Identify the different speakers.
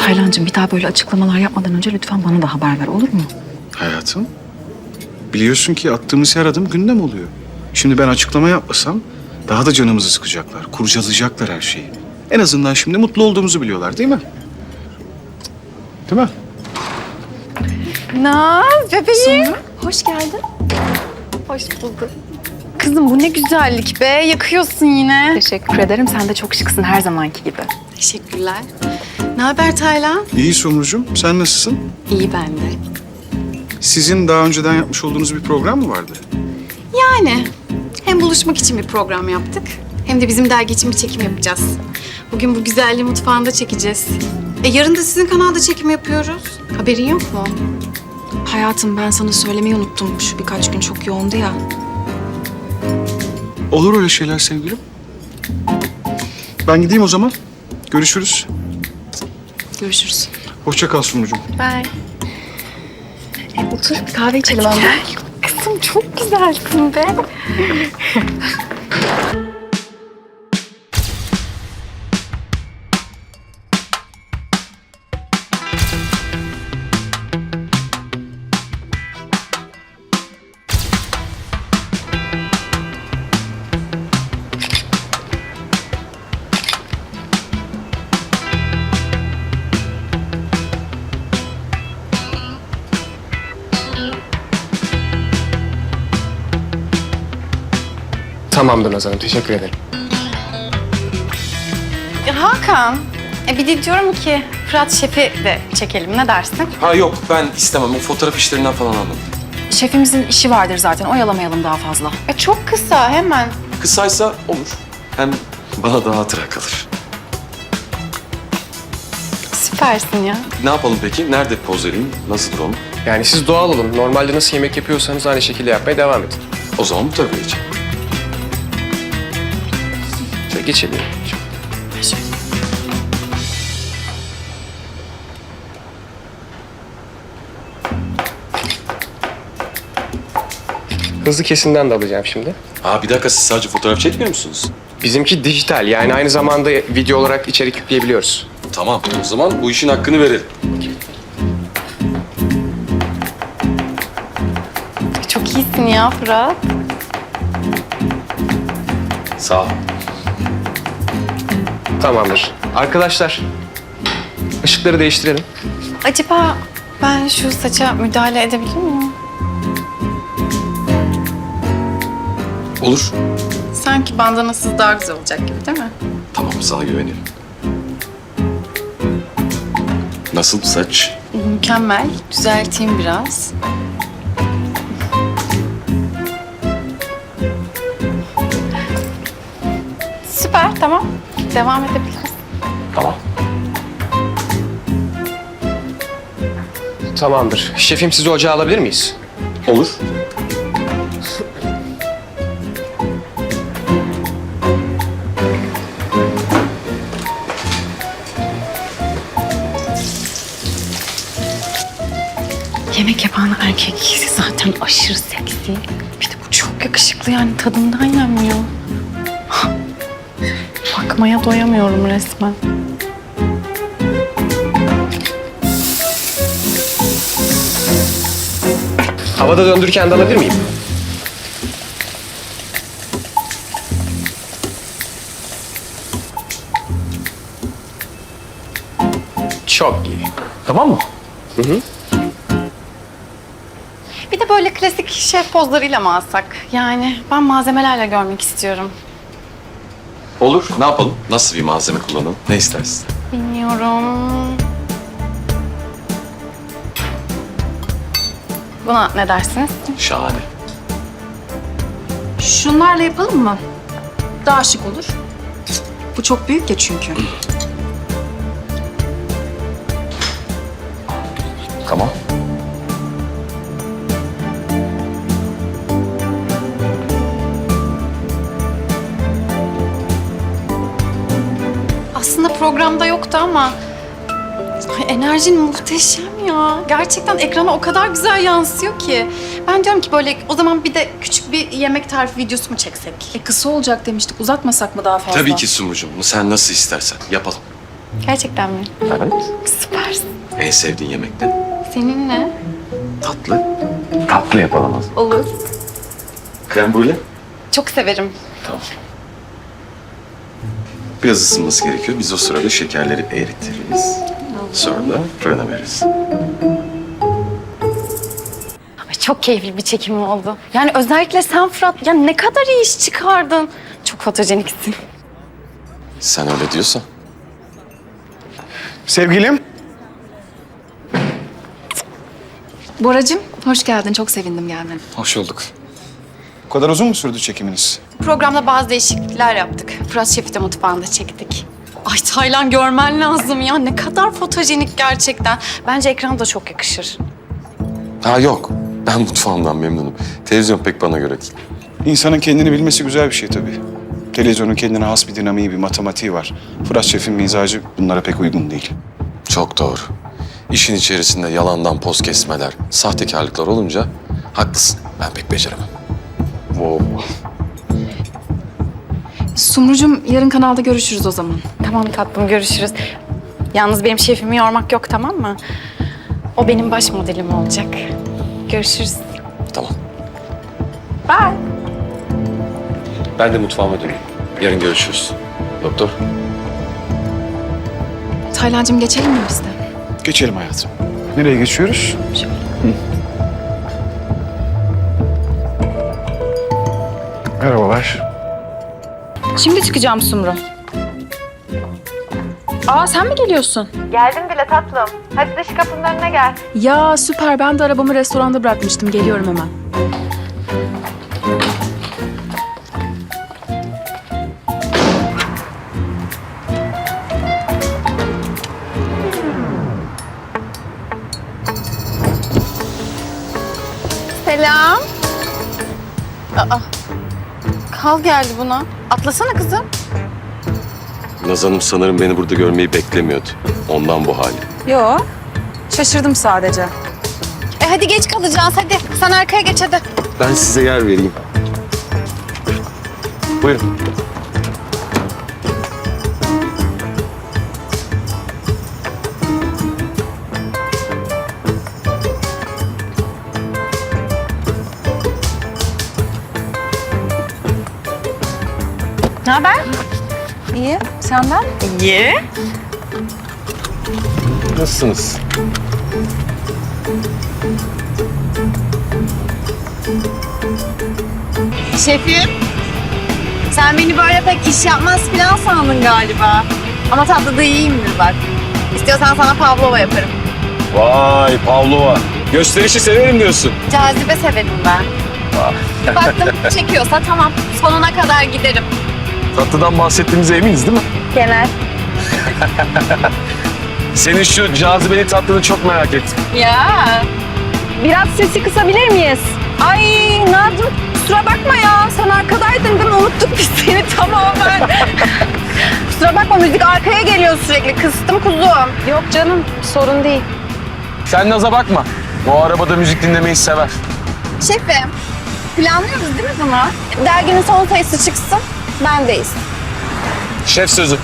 Speaker 1: Taylancığım bir daha böyle açıklamalar yapmadan önce lütfen bana da haber ver, olur mu?
Speaker 2: Hayatım, biliyorsun ki attığımız her adım gündem oluyor. Şimdi ben açıklama yapmasam daha da canımızı sıkacaklar, kurcalayacaklar her şeyi. En azından şimdi mutlu olduğumuzu biliyorlar, değil mi? Değil mi?
Speaker 3: Naz bebeğim.
Speaker 1: Hoş geldin.
Speaker 3: Hoş bulduk. Kızım bu ne güzellik be. Yakıyorsun yine.
Speaker 1: Teşekkür ederim. Sen de çok şıksın her zamanki gibi.
Speaker 3: Teşekkürler. Ne haber Taylan?
Speaker 2: İyi Sumrucuğum, sen nasılsın?
Speaker 3: İyi ben de.
Speaker 2: Sizin daha önceden yapmış olduğunuz bir program mı vardı?
Speaker 3: Yani hem buluşmak için bir program yaptık hem de bizim dergi için bir çekim yapacağız. Bugün bu güzelliği mutfağında çekeceğiz. Yarın da sizin kanalda çekim yapıyoruz. Haberin yok mu?
Speaker 1: Hayatım ben sana söylemeyi unuttum. Şu birkaç gün çok yoğundu ya.
Speaker 2: Olur öyle şeyler sevgilim. Ben gideyim o zaman. Görüşürüz.
Speaker 1: Görüşürüz.
Speaker 2: Hoşça kal Sumrucuğum.
Speaker 3: Bye.
Speaker 1: Otur bir kahve içelim anne.
Speaker 3: Kızım çok güzelsin be.
Speaker 4: Tamamdır Naz Hanım, teşekkür ederim.
Speaker 3: Hakan, bir de diyorum ki Fırat Şef'i de çekelim. Ne dersin?
Speaker 5: Ha yok ben istemem. O fotoğraf işlerinden falan anladım.
Speaker 1: Şefimizin işi vardır zaten. Oyalamayalım daha fazla.
Speaker 3: Çok kısa hemen.
Speaker 5: Kısaysa olur. Hem bana daha hatıra kalır.
Speaker 3: Süpersin ya.
Speaker 5: Ne yapalım peki? Nerede poz vereyim? Nasıldır onu?
Speaker 4: Yani siz doğal olun. Normalde nasıl yemek yapıyorsanız aynı şekilde yapmaya devam edin.
Speaker 5: O zaman bu tarafa geçelim.
Speaker 4: Şöyle geçelim. Hızlı kesimden de alacağım şimdi.
Speaker 5: Ha bir dakika siz sadece fotoğraf çekmiyor musunuz?
Speaker 4: Bizimki dijital, yani aynı zamanda video olarak içerik yükleyebiliyoruz.
Speaker 5: Tamam o zaman bu işin hakkını verelim.
Speaker 3: Çok iyisin ya Fırat.
Speaker 5: Sağ ol.
Speaker 4: Tamamdır. Arkadaşlar, ışıkları değiştirelim.
Speaker 3: Acaba ben şu saça müdahale edebilir miyim?
Speaker 5: Olur.
Speaker 3: Sanki bandanasız daha güzel olacak gibi değil mi?
Speaker 5: Tamam sana güveniyorum. Nasıl saç?
Speaker 3: Mükemmel. Düzelteyim biraz. Süper, tamam. Devam edebiliriz.
Speaker 5: Tamam.
Speaker 4: Tamamdır. Şefim, sizi ocağa alabilir miyiz?
Speaker 5: Olur.
Speaker 1: Yemek yapan erkek zaten aşırı seksi. Bir de bu çok yakışıklı yani tadından yenmiyor.
Speaker 3: Bakmaya doyamıyorum resmen.
Speaker 4: Havada döndürürken de alabilir miyim? Çok iyi.
Speaker 5: Tamam mı?
Speaker 3: Bir de böyle klasik şef pozlarıyla mı alsak? Yani ben malzemelerle görmek istiyorum.
Speaker 5: Olur. Ne yapalım? Nasıl bir malzeme kullanalım? Ne istersin?
Speaker 3: Bilmiyorum. Buna ne dersiniz?
Speaker 5: Şahane.
Speaker 1: Şunlarla yapalım mı? Daha şık olur. Bu çok büyük ya çünkü.
Speaker 5: Tamam.
Speaker 3: Aslında programda yoktu ama enerjin muhteşem ya. Gerçekten ekrana o kadar güzel yansıyor ki. Ben diyorum ki böyle o zaman bir de küçük bir yemek tarifi videosu mu çeksek?
Speaker 1: Kısa olacak demiştik. Uzatmasak mı daha fazla?
Speaker 5: Tabii ki Sumrucuğum. Sen nasıl istersen yapalım.
Speaker 3: Gerçekten mi?
Speaker 5: Evet.
Speaker 3: Süpersin.
Speaker 5: En sevdiğin yemek ne?
Speaker 3: Seninle?
Speaker 5: Tatlı. Tatlı yapalım o zaman.
Speaker 3: Olur.
Speaker 5: Krem brûlée?
Speaker 3: Çok severim.
Speaker 5: Tamam. Biraz ısınması gerekiyor. Biz o sırada şekerleri eritiriz. Sonra da fırına veririz.
Speaker 1: Ay, çok keyifli bir çekim oldu. Yani özellikle sen Fırat, ya ne kadar iyi iş çıkardın. Çok fotojeniksin.
Speaker 5: Sen öyle diyorsan.
Speaker 2: Sevgilim.
Speaker 6: Boracığım, hoş geldin. Çok sevindim gelmene.
Speaker 2: Hoş bulduk. Bu kadar uzun mu sürdü çekiminiz?
Speaker 3: Programda bazı değişiklikler yaptık. Fırat Şef'i de mutfağında çektik. Ay Taylan görmen lazım ya. Ne kadar fotojenik gerçekten.
Speaker 1: Bence ekranda çok yakışır.
Speaker 5: Ha yok. Ben mutfağımdan memnunum. Televizyon pek bana göre değil.
Speaker 2: İnsanın kendini bilmesi güzel bir şey tabii. Televizyonun kendine has bir dinamiği, bir matematiği var. Fırat Şef'in mizacı bunlara pek uygun değil.
Speaker 5: Çok doğru. İşin içerisinde yalandan poz kesmeler, sahtekarlıklar olunca haklısın. Ben pek beceremem.
Speaker 2: Wow.
Speaker 6: Sumrucuğum, yarın kanalda görüşürüz o zaman.
Speaker 1: Tamam tatlım, görüşürüz. Yalnız benim şefimi yormak yok, tamam mı? O benim baş modelim olacak. Görüşürüz.
Speaker 5: Tamam.
Speaker 1: Bye.
Speaker 5: Ben de mutfağıma döneyim. Yarın görüşürüz. Doktor.
Speaker 6: Taylancığım, geçelim mi biz de?
Speaker 2: Geçelim hayatım. Nereye geçiyoruz? Merhabalar.
Speaker 6: Şimdi çıkacağım Sumru. Aa, sen mi geliyorsun?
Speaker 7: Geldim bile tatlım. Hadi dış kapının önüne gel.
Speaker 6: Ya süper, ben de arabamı restoranda bırakmıştım. Geliyorum hemen.
Speaker 3: Selam. Aa, kal geldi buna. Atlasana kızım.
Speaker 5: Naz Hanım sanırım beni burada görmeyi beklemiyordu. Ondan bu hali.
Speaker 6: Yo, şaşırdım sadece.
Speaker 3: Hadi geç kalacağız hadi. Sen arkaya geç hadi.
Speaker 5: Ben size yer vereyim. Buyurun.
Speaker 1: Ne haber?
Speaker 6: İyi, senden?
Speaker 1: İyi.
Speaker 5: Nasılsınız?
Speaker 3: Şefim. Sen beni böyle pek iş yapmaz falan sandın galiba. Ama tatlıda iyiyimdir bak. İstiyorsan sana pavlova yaparım.
Speaker 5: Vay Pavlova. Gösterişi severim diyorsun.
Speaker 3: Cazibe severim ben. Baktım çekiyorsa tamam. Sonuna kadar giderim.
Speaker 5: Tatlıdan bahsettiğimize eminiz değil mi?
Speaker 3: Genel.
Speaker 5: Senin şu cazibeli tatlını çok merak ettim.
Speaker 3: Ya. Biraz sesi kısabilir miyiz? Ay Nazım kusura bakma ya. Sen arkadaydın değil mi? Unuttuk biz seni tamamen. Kusura bakma müzik arkaya geliyor sürekli. Kıstım kuzum. Yok canım sorun değil.
Speaker 5: Sen Naz'a bakma. O arabada müzik dinlemeyi sever.
Speaker 3: Şefim planlıyoruz değil mi bunu? Derginin son sayısı çıksın. Bendeyiz.
Speaker 5: Şef sözü.